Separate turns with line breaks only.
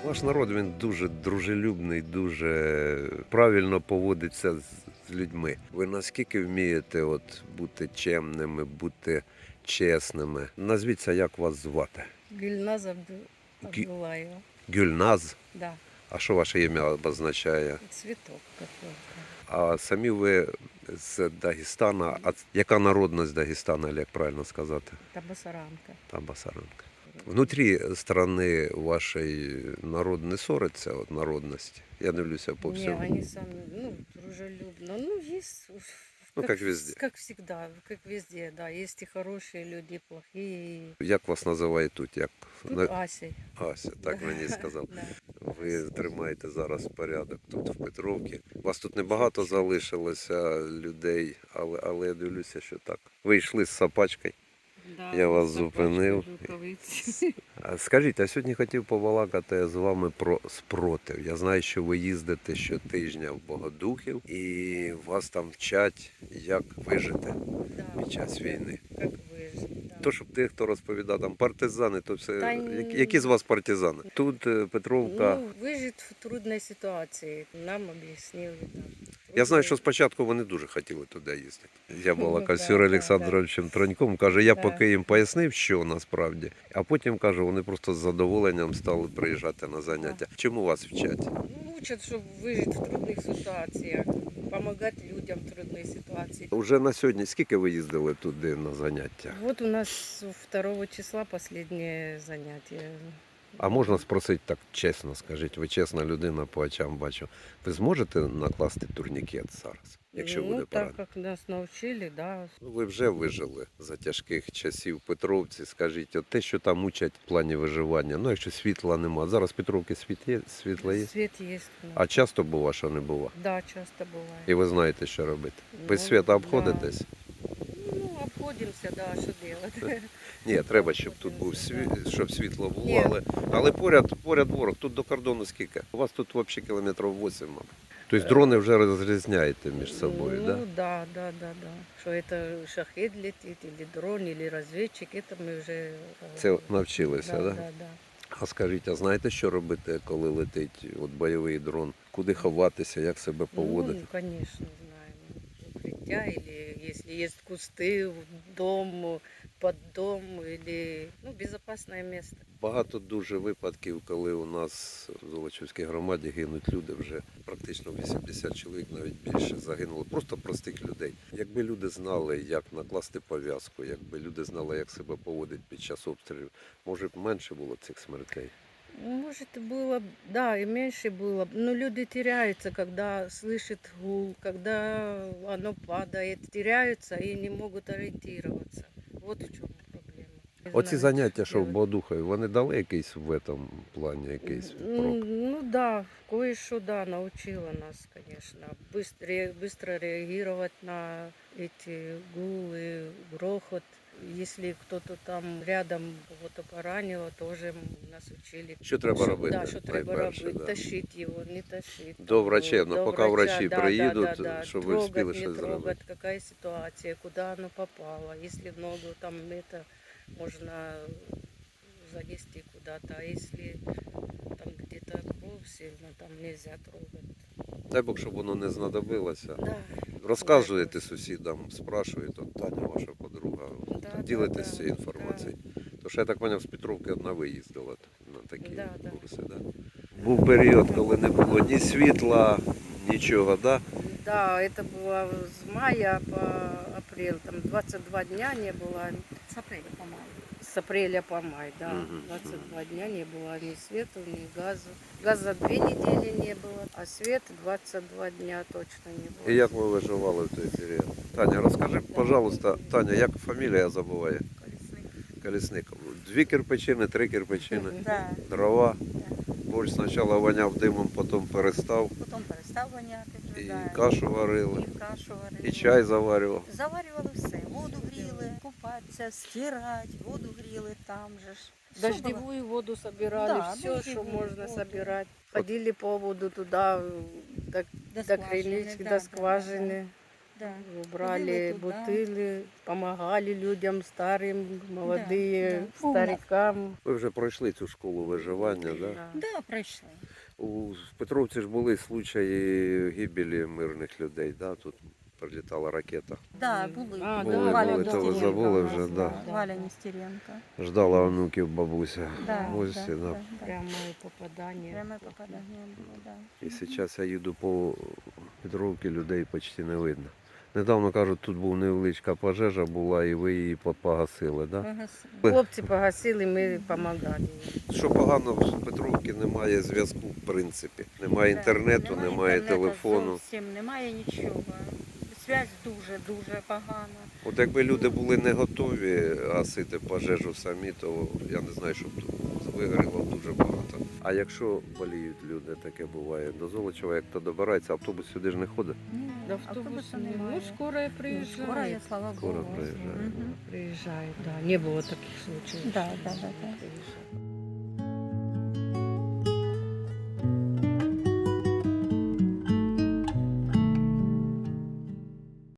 Ваш народ він дуже дружелюбний, дуже правильно поводиться з людьми. Ви наскільки вмієте бути чемними, бути чесними? Назвіться, як вас звати?
Гюльназ
Гі-
Абдулаева.
Гюльназ?
Да,
А що ваше ім'я обозначає?
цветок какой-то.
А самі ви з Дагестана. А яка народність Дагестана, як правильно сказати?
Табасаранка.
Там Басаранка. Внутрі страны вашей народ не ссориться, народності? Я дивлюся по
Не,
всьому.
они сами, дружелюбно. Есть,
Как везде.
Как всегда, как везде, да. Есть и хорошие люди, и плохие.
Як вас називають тут? Як?
Тут Ася.
Ася, так
Да.
мені сказав.
Да.
Ви тримаєте зараз порядок тут, в Петровці. Вас тут небагато залишилося людей, але я дивлюся, що так. Ви йшли з собачкою.
Да,
Я вас
собачки,
зупинив.
рукавиці.
Скажіть, а сьогодні хотів побалакати з вами про спротив. Я знаю, що ви їздите щотижня в Богодухів і вас там вчать, як вижити
Да,
під час війни.
как выжить, да.
То, щоб тих, хто розповідав, там партизани, то все.
Та ні.
Які з вас партизани? Тут Петровка.
Ну, выжить в трудной ситуации. Нам объяснили. Да.
Я знаю,
Трудно.
що спочатку вони дуже хотіли туди їздити. Я балакав з
Да,
Юрієм
да,
Олександровичем Троньком, каже, я
Да.
поки їм пояснив, що насправді, а потім каже, вони просто з задоволенням стали приїжджати на заняття. Чому вас вчать?
Ну, учат, чтобы выжить в трудных ситуациях, помогать людям в трудной ситуации.
Уже на сьогодні скільки ви їздили туди на заняття?
Вот у нас 2 числа последнее занятие.
А можна спросити так чесно, скажіть, ви чесна людина, по очам бачу. Ви зможете накласти турнікет зараз, якщо буде
так
порада?
как нас научили, да.
Ну, ви вже вижили за тяжких часів в Петровці. Скажіть, от те, що там учать в плані виживання, ну якщо світла нема. Зараз в Петровці світло є?
Свет есть. у нас.
А часто бува, що не бува?
Да, часто бывает.
І ви знаєте, що робити. Без
Ну,
світа
да.
обходитесь?
Ну, обходимся, да, что делать.
Ні, треба, щоб тут був щоб світло було,
Ні.
але поряд ворог. Тут до кордону скільки? У вас тут взагалі кілометрів 8, мабуть. Тобто дрони вже розрізняєте між собою,
Ну,
так?
да, да, да, да. Что это шахед летит, или дрон, или разведчик, это мы уже...
Це навчилися,
да,
так?
да, да.
А скажіть, а знаєте, що робити, коли летить бойовий дрон? Куди ховатися, як себе поводити?
Ну, конечно, знаем. Укрытия, или если есть кусты, дом, под дом, или безопасное место.
Багато дуже випадків, коли у нас в Золочівській громаді гинуть люди, вже практично 80 чоловік, навіть більше загинуло. Просто простих людей. Якби люди знали, як накласти пов'язку, якби люди знали, як себе поводити під час обстрілів, може б менше було цих смертей.
Может, было, да, и меньше было. Но люди теряются, когда слышат гул, когда оно падает, теряются и не могут ориентироваться. Вот в чем проблема. Не
Оці
знаю,
заняття,
что
що в
делать.
Богодухові, вони дали якийсь в цьому плані, якийсь прок?
Ну да, кое-что, да, научила нас, конечно. Быстро реагировать на эти гулы, грохот. Если кто-то там рядом кого-то поранило, тоже нас учили.
Що треба робити?
Да, що треба
найперше,
робити.
да.
Тащить його, не тащить.
До врачів,
До
поки врачі
да,
приїдуть,
да.
щоб ви
Трогать,
встигли
не
щось
трогать,
зробити.
какая ситуация, куда оно попало. Если в ногу, там это можно занести куда-то. А если там где-то кровь сильно, там нельзя трогать.
Дай Бог, щоб воно не знадобилося.
Да.
Розказуєте сусідам, спрашуєте, от Таня, ваша подруга,
Да,
ділитесь
да,
цією інформацією. Тому що я так зрозумів, з Петровки одна виїздила на такі
Да, да.
курси. Да? Був період, коли не було ні світла, нічого, да?
Да, это было с мая по апрель, там 22 дня не было.
С апреля по май.
С апреля по май, да.
Мгм,
22 дня не было ни света, ни газа. Газа 2 недели не было, а свет 22 дня точно не было.
І як ви виживали в той період? Таня, розкажи, пожалуйста, Таня, як фамілія забуває?
Колесник.
Колісник. 2 кирпичини, 3 кирпичини,
Да,
дрова.
да.
Борщ спочатку воняв димом, потім перестав.
Потім перестав воняти вже,
І
да.
кашу варили,
І кашу варили.
і чай заварював.
Заварювали все. Воду гріли, купатися, стирати, воду гріли там же ж. Все було.
Дождевую воду собирали,
Да,
все, что
дождевую
можно
воду.
собирать. Ходили по воду туда, до
До скважины,
кринички,
да,
до
да,
скважины.
Да.
Брали
Ходили туди.
бутыли, помогали людям старым, молодые,
да.
старикам.
Ви вже пройшли цю школу виживання, да?
Да, пройшли.
В Петровці ж були случаї гибелі мирних людей, да? Тут прилітала ракета.
Да, були.
А,
Були,
да,
Валя
були,
да,
то ви
Нестеренко
забули
у нас,
вже, да.
Валя Нестеренко.
Ждала онуків бабуся.
Да,
в гості, да.
да.
Прямое попадание.
Пряме попадання було, да.
І зараз я їду по Петровці, людей почти не видно. Недавно, кажуть, тут була невеличка пожежа була і ви її погасили, да?
Погасили.
Хлопці погасили, ми допомагали.
Що погано, в Петровці немає зв'язку, в принципі. Немає
Да,
інтернету, немає
інтернету
телефону.
Зовсім немає нічого. Зв'язь дуже погана.
От якби люди були не готові гасити пожежу самі, то я не знаю, щоб тут вигоріло дуже багато. А якщо боліють люди, таке буває. До Золочева, як то добирається, автобус сюди ж не ходить.
Ні,
До автобуса не. Ну, скоро
Скоро
приезжает.
я, слава
Скоро
Богу.
приїжджає.
Мгм.
Приезжает, да. Не было таких случаев.
Да,
что
да,
не
да, да.
приезжает.